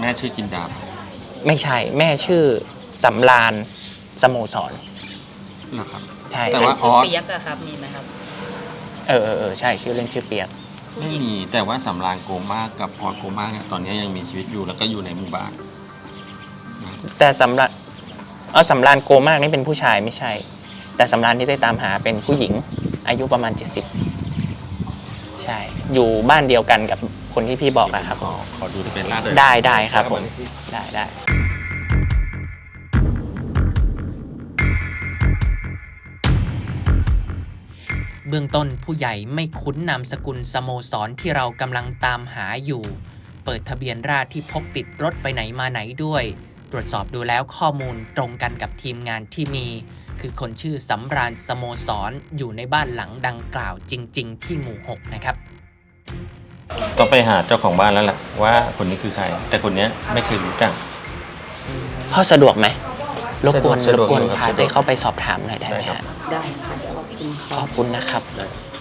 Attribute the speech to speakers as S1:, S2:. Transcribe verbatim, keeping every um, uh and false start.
S1: แม่ชื่อจินดา
S2: ไม่ใช่แม่ชื่อสำราญสโมสร
S1: นะครับ
S2: ใช่
S3: แต่ว่าชื่อเปียกอะครับมีไหมครับ
S2: เออเออเออใช่ชื่อเล่นชื่อเปียก
S1: ไม่มีแต่ว่าสำรานโกมากับออสโกมาเนี่ยตอนนี้ยังมีชีวิตอยู่แล้วก็อยู่ในหมู่บ้าน
S2: แต่สำราญเอาสำราญโกมากนี่เป็นผู้ชายไม่ใช่แต่สำราญที่ได้ตามหาเป็นผู้หญิงอายุประมาณเจ็ดสิบใช่อยู่บ้านเดียวกันกับคนที่พี่บอกอะครับ
S1: ขอขอดูที่เป็นลาดเลย
S2: ได้ได้ครับผมได้ได้เบื้องต้นผู้ใหญ่ไม่คุ้นนามสกุลสโมสรที่เรากำลังตามหาอยู่เปิดทะเบียนราษฎรที่พกติดรถไปไหนมาไหนด้วยตรวจสอบดูแล้วข้อมูลตรงกันกับทีมงานที่มีคือคนชื่อสำราญสโมสรอยู่ในบ้านหลังดังกล่าวจริงๆที่หมู่หกนะครับ
S1: ต้องไปหาเจ้าของบ้านแล้วแหละว่าคนนี้คือใครแต่คนนี้ไม่เคยรู้จัก
S2: พ่อสะดวกไหมรบกวนรบกวนพาเต้
S1: ได้
S2: เข้าไปสอบถามหน่อยได้ไหมฮะ
S3: ได้ค่ะขอบคุณ
S2: ขอบคุณนะครับ
S1: ได้